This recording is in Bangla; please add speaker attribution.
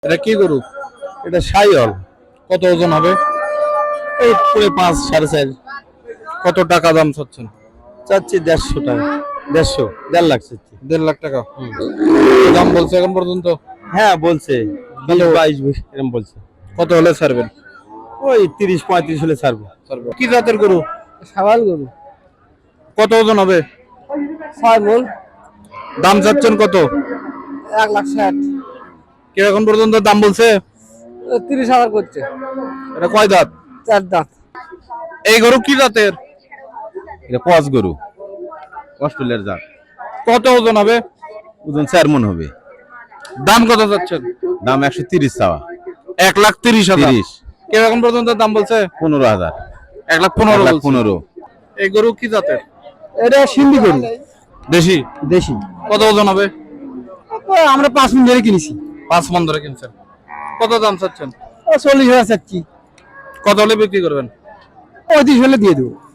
Speaker 1: এটা কি গরু?
Speaker 2: এটা সাইওয়াল।
Speaker 1: কত ওজন হবে?
Speaker 2: এই পুরো 5 4.5
Speaker 1: কত টাকা দাম চাচ্ছেন?
Speaker 2: চাচ্ছি 150 টাকা, 1.5 লাখ চাচ্ছি।
Speaker 1: 1.5 লাখ টাকা দাম বলছে এখন পর্যন্ত।
Speaker 2: হ্যাঁ বলছে,
Speaker 1: হ্যালো।
Speaker 2: 22 এরকম বলছে।
Speaker 1: কত হলে ছাড়বেন?
Speaker 2: ওই 30 35 হলে ছাড়বো।
Speaker 1: কি জাতের গরু?
Speaker 2: সাবাল গরু,
Speaker 1: কত ওজন হবে?
Speaker 2: 6 মণ,
Speaker 1: দাম চাচ্ছেন কত?
Speaker 2: 1,60,000।
Speaker 1: কি এখন পর্যন্ত দাম বলছে?
Speaker 2: 30,000 করছে।
Speaker 1: এটা কয় দাঁত?
Speaker 2: 4 দাঁত।
Speaker 1: এই গরু কি জাতের?
Speaker 2: এটা পাঁচ গরু, অস্ট্রেলিয়ার জাত।
Speaker 1: কত ওজন হবে?
Speaker 2: ওজন 4 মণ হবে।
Speaker 1: দাম কত চাচ্ছেন?
Speaker 2: দাম 130 চাওয়া।
Speaker 1: 1,30,000।
Speaker 2: 30,
Speaker 1: কে এখন পর্যন্ত দাম বলছে?
Speaker 2: 15,000।
Speaker 1: 1,15,000 বলছে।
Speaker 2: 15।
Speaker 1: এই গরু কি জাতের?
Speaker 2: এটা সিন্ধি গরু,
Speaker 1: দেশি।
Speaker 2: দেশি।
Speaker 1: কত ওজন হবে?
Speaker 2: আমরা 5 মণ ধরে কিনেছি।
Speaker 1: 5 মণ ধরে কিনছেন। কত দাম চাচ্ছেন?
Speaker 2: 40,000 চাচ্ছি।
Speaker 1: কত হলে বিক্রি করবেন?
Speaker 2: 35 হলে দিয়ে দেবো।